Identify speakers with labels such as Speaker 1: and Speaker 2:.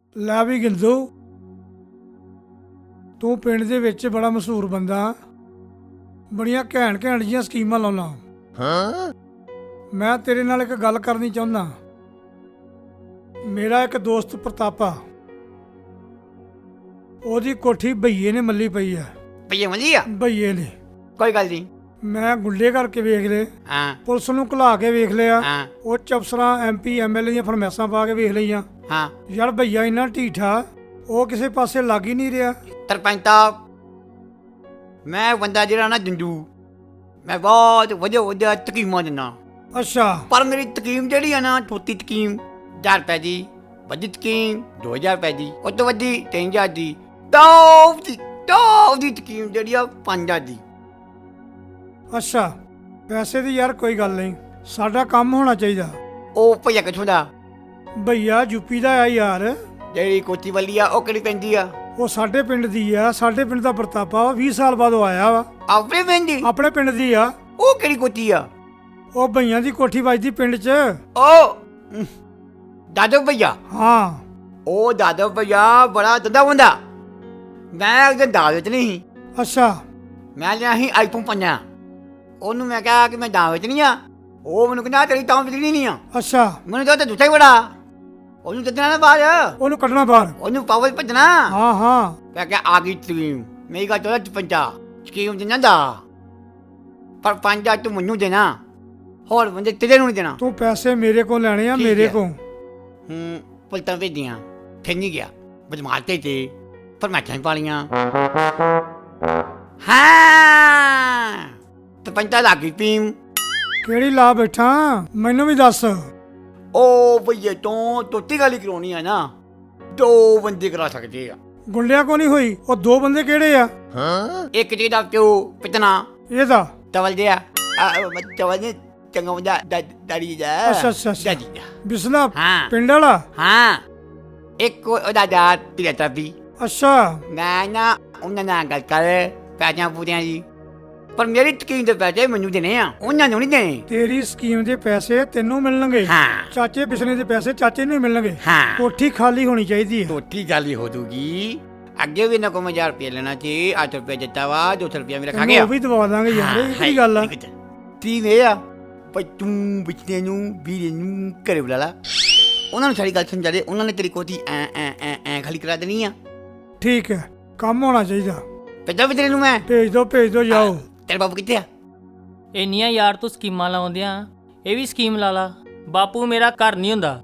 Speaker 1: ਲੈ ਵੀ ਗਿੰਦੂ, ਤੂੰ ਪਿੰਡ ਦੇ ਵਿੱਚ ਬੜਾ ਮਸ਼ਹੂਰ ਬੰਦਾ, ਬੜੀਆਂ ਘੈਂਟ ਘੈਂਟ ਜਿਹੀਆਂ ਸਕੀਮਾਂ ਲਾਉਣਾ। ਮੈਂ ਤੇਰੇ ਨਾਲ ਇੱਕ ਗੱਲ ਕਰਨੀ ਚਾਹੁੰਦਾ। ਮੇਰਾ ਇੱਕ ਦੋਸਤ ਪ੍ਰਤਾਪਾ, ਉਹਦੀ ਕੋਠੀ ਭਈਏ ਨੇ ਮੱਲੀ ਪਈ ਆ।
Speaker 2: ਭਈਏ ਮੱਲੀ ਆ?
Speaker 1: ਭਈਏ ਨੇ।
Speaker 2: ਕੋਈ ਗੱਲ ਨਹੀਂ।
Speaker 1: ਮੈਂ ਗੁੱਲੇ ਕਰਕੇ ਵੇਖ ਲਏ,
Speaker 2: ਹਾਂ
Speaker 1: ਪੁਲਿਸ ਨੂੰ ਘਲਾ ਕੇ ਵੇਖ ਲਿਆ,
Speaker 2: ਹਾਂ
Speaker 1: ਉੱਚ ਅਫਸਰਾਂ MP MLA ਦੀਆਂ ਫਰਮੈਸਾਂ ਪਾ ਕੇ ਵੇਖ ਲਈਆਂ।
Speaker 2: ਹਾਂ।
Speaker 1: ਯਾਰ ਭਈਆ ਇੰਨਾ ਢੀਠਾ, ਉਹ ਕਿਸੇ ਪਾਸੇ ਲੱਗ ਹੀ ਨਹੀਂ ਰਿਹਾ।
Speaker 2: ਸਰਪੰਚ ਸਾਹਿਬ, ਮੈਂ ਬੰਦਾ ਜਿਹੜਾ ਨਾ ਜੰਜੂ, ਮੈਂ ਬਹੁਤ ਵਧੀਆ ਵਧੀਆ ਤਕੀਮਾਂ ਦਿੰਦਾ।
Speaker 1: ਅੱਛਾ।
Speaker 2: ਪਰ ਮੇਰੀ ਤਕੀਮ ਜਿਹੜੀ ਆ ਨਾ, ਛੋਟੀ ਤਕੀਮ 1000 ਰੁਪਏ ਦੀ, ਵੱਡੀ ਤਕੀਮ 2000 ਰੁਪਏ ਦੀ, ਉਹ ਤੋਂ ਵੱਡੀ 3000 ਦੀ, ਟੌਪ ਦੀ ਤਕੀਮ ਜਿਹੜੀ ਆ 5000 ਦੀ।
Speaker 1: ਅੱਛਾ, ਪੈਸੇ ਦੀ ਯਾਰ ਕੋਈ ਗੱਲ ਨਹੀਂ, ਸਾਡਾ ਕੰਮ ਹੋਣਾ ਚਾਹੀਦਾ।
Speaker 2: ਉਹ ਭਈਆ ਕਿੱਥੋਂ ਦਾ?
Speaker 1: ਭਈਆ ਯੂਪੀ ਦਾ ਆ ਯਾਰ।
Speaker 2: ਜਿਹੜੀ ਕੋਚੀ ਵਾਲੀ ਆ ਉਹ ਕਿਹੜੀ ਪੈਂਦੀ ਆ?
Speaker 1: ਉਹ ਸਾਡੇ ਪਿੰਡ ਦੀ ਆ, ਸਾਡੇ ਪਿੰਡ ਦਾ ਪ੍ਰਤਾਪਾ ਵਾ, 20 ਸਾਲ ਬਾਅਦ ਉਹ ਆਇਆ ਵਾ।
Speaker 2: ਆਪਣੇ ਪਿੰਡ ਦੀ?
Speaker 1: ਆਪਣੇ ਪਿੰਡ ਦੀ ਆ।
Speaker 2: ਉਹ ਕਿਹੜੀ ਕੋਚੀ ਆ?
Speaker 1: ਉਹ ਭਈਆਂ ਦੀ ਕੋਠੀ ਵੱਜਦੀ ਪਿੰਡ 'ਚ।
Speaker 2: ਉਹ ਦਾਦੋ ਭਈਆ?
Speaker 1: ਹਾਂ।
Speaker 2: ਉਹ ਦਾਦੋ ਭਈਆ ਬੜਾ ਦੰਦਾ ਹੁੰਦਾ। ਮੈਂ ਉਹਦੇ ਦਾਅਵੇ 'ਚ ਨਹੀਂ ਸੀ।
Speaker 1: ਅੱਛਾ।
Speaker 2: ਮੈਂ ਲਿਆ ਸੀ iPhone 5। ਉਹਨੂੰ ਮੈਂ ਕਿਹਾ ਕਿ ਮੈਂ ਦਾਅਵੇ 'ਚ ਨਹੀਂ ਆ। ਉਹ ਮੈਨੂੰ ਕਹਿੰਦਾ ਤੇਰੀ ਤਾਂ ਬਿਜਲੀ ਨਹੀਂ ਆ।
Speaker 1: ਅੱਛਾ।
Speaker 2: ਮੈਨੂੰ ਤਾਂ ਦੁੱਤਾ ਹੀ ਬੜਾ। ਉਹਨੂੰ ਦੱਸਣਾ ਨਾ ਬਾਹਰ,
Speaker 1: ਉਹਨੂੰ ਕੱਢਣਾ ਬਾਹਰ।
Speaker 2: ਉਹਨੂੰ ਪਾਵਰ ਭੱਜਣਾ।
Speaker 1: ਹਾਂ ਹਾਂ।
Speaker 2: ਮੈਂ ਕਿਹਾ ਆ ਗਈ ਸਕੀਮ। ਮੇਰੀ ਗੱਲ ਚੋਦਾ 55 ਸਕੀਮ ਦੇਣਾ ਦਾ, ਪਰ 5000 ਤੂੰ ਮੈਨੂੰ ਦੇਣਾ, ਹੋਰ ਬੰਦੇ ਤੇਰੇ ਨੂੰ ਨਹੀਂ ਦੇਣਾ।
Speaker 1: ਤੂੰ ਪੈਸੇ ਮੇਰੇ ਕੋਲ ਲੈਣੇ ਆ,
Speaker 2: ਠੀਕ
Speaker 1: ਮੇਰੇ
Speaker 2: ਹੈ।
Speaker 1: ਕੋਲ।
Speaker 2: ਪੁਲਤਾਂ ਭੇਜੀਆਂ, ਫਿਰ ਨਹੀਂ ਗਿਆ। ਬਦਮਾਸ਼ ਤੇ ਫਰਮਾਇਸ਼ਾਂ ਹੀ ਪਾਲੀਆਂ। ਹਾਂ ਤੇ 50 ਲੱਗ ਗਈ ਪੀਮ।
Speaker 1: ਕਿਹੜੀ ਲਾ ਬੈਠਾ, ਮੈਨੂੰ ਵੀ ਦੱਸ।
Speaker 2: ਉਹ ਭਈਏ ਤੋਂ ਤੋਤੀ ਗਾਲੀ ਕਰਾਉਣੀ ਆ ਨਾ, 2 ਬੰਦੇ ਕਰਾ ਸਕਦੇ ਆ।
Speaker 1: ਗੁੰਡਿਆਂ ਕੋ ਨਹੀਂ ਹੋਈ। ਉਹ 2 ਬੰਦੇ ਕਿਹੜੇ ਆ?
Speaker 2: ਇੱਕ ਜਿਹਦਾ ਪਿਓ ਪਿਤਨਾ
Speaker 1: ਇਹਦਾ।
Speaker 2: ਤਵਲ ਦਿਆ ਤਵਲ ਨੇ ਚੰਗਾ ਬੰਦਾ ਦਾੜੀ ਦਾ।
Speaker 1: ਅੱਛਾ ਅੱਛਾ ਅੱਛਾ।
Speaker 2: ਦਾੜੀ ਦਾ।
Speaker 1: ਬਿਸਲਾ
Speaker 2: ਹਾਂ
Speaker 1: ਪਿੰਡ ਵਾਲਾ।
Speaker 2: ਹਾਂ। ਇੱਕ ਉਹਦਾ ਦਾਤ ਪਿਲਤਾ ਵੀ।
Speaker 1: ਅੱਛਾ।
Speaker 2: ਮੈਂ ਨਾ ਉਹਨਾਂ ਨਾਲ ਗੱਲ ਕਰ ਪੈਸਿਆਂ ਪੂਰਿਆਂ ਦੀ, ਪਰ ਮੇਰੀ ਤਕੀਮ ਦੇ ਪੈਸੇ ਮੈਨੂੰ ਦੇਣੇ ਆ, ਉਹਨਾਂ ਨੂੰ ਨਹੀਂ ਦੇਣੇ।
Speaker 1: ਤੇਰੀ ਸਕੀਮ ਦੇ ਪੈਸੇ ਤੈਨੂੰ ਮਿਲਣਗੇ।
Speaker 2: ਹਾਂ
Speaker 1: ਚਾਚੇ ਪਿਛਲੇ ਦੇ ਪੈਸੇ ਚਾਚੇ ਨੂੰ ਹੀ ਮਿਲਣਗੇ।
Speaker 2: ਹਾਂ।
Speaker 1: ਕੋਠੀ ਖਾਲੀ ਹੋਣੀ ਚਾਹੀਦੀ ਹੈ।
Speaker 2: ਤੋਤੀ ਗੱਲ ਹੋ ਜੂਗੀ। ਅੱਗੇ ਵੀ ਨਾ ਕੋ 1000 ਰੁਪਏ ਲੈਣਾ ਸੀ, 8 ਰੁਪਏ ਦਿੱਤਾ ਵਾ, 200 ਰੁਪਏ ਮੇਰਾ ਖਾ
Speaker 1: ਤੈਨੂੰ
Speaker 2: ਗਿਆ।
Speaker 1: ਉਹ ਵੀ ਦਵਾ ਦਾਂਗੇ ਯਾਰ, ਇਹ ਕੀ ਗੱਲ ਆ?
Speaker 2: ਤੀ ਵੇ ਆ ਪਰ ਤੂੰ ਬਿਚਨੇ ਨੂੰ ਵੀਰੇ ਨੂੰ ਘਰੇ ਬੁਲਾ ਲਾ, ਉਹਨਾਂ ਨੂੰ ਸਾਰੀ ਗੱਲ ਸਮਝਾ ਦੇ। ਉਹਨਾਂ ਨੇ ਤੇਰੀ ਕੋਠੀ ਐ ਖਾਲੀ ਕਰਾ ਦੇਣੀ ਆ।
Speaker 1: ਠੀਕ ਹੈ, ਕੰਮ ਹੋਣਾ ਚਾਹੀਦਾ।
Speaker 2: ਭੇਜਾ ਵੀ ਤੇਰੇ ਨੂੰ ਮੈਂ।
Speaker 1: ਭੇਜ ਦੋ ਜਾਓ।
Speaker 2: ਤੇਰੇ ਬਾਪੂ ਕਿੱਥੇ ਆ?
Speaker 3: ਇੰਨੀਆਂ ਯਾਰ ਤੂੰ ਸਕੀਮਾਂ ਲਾਉਂਦਿਆਂ ਇਹ ਵੀ ਸਕੀਮ ਲਾ ਲਾ। ਬਾਪੂ ਮੇਰਾ ਘਰ ਨਹੀਂ ਹੁੰਦਾ।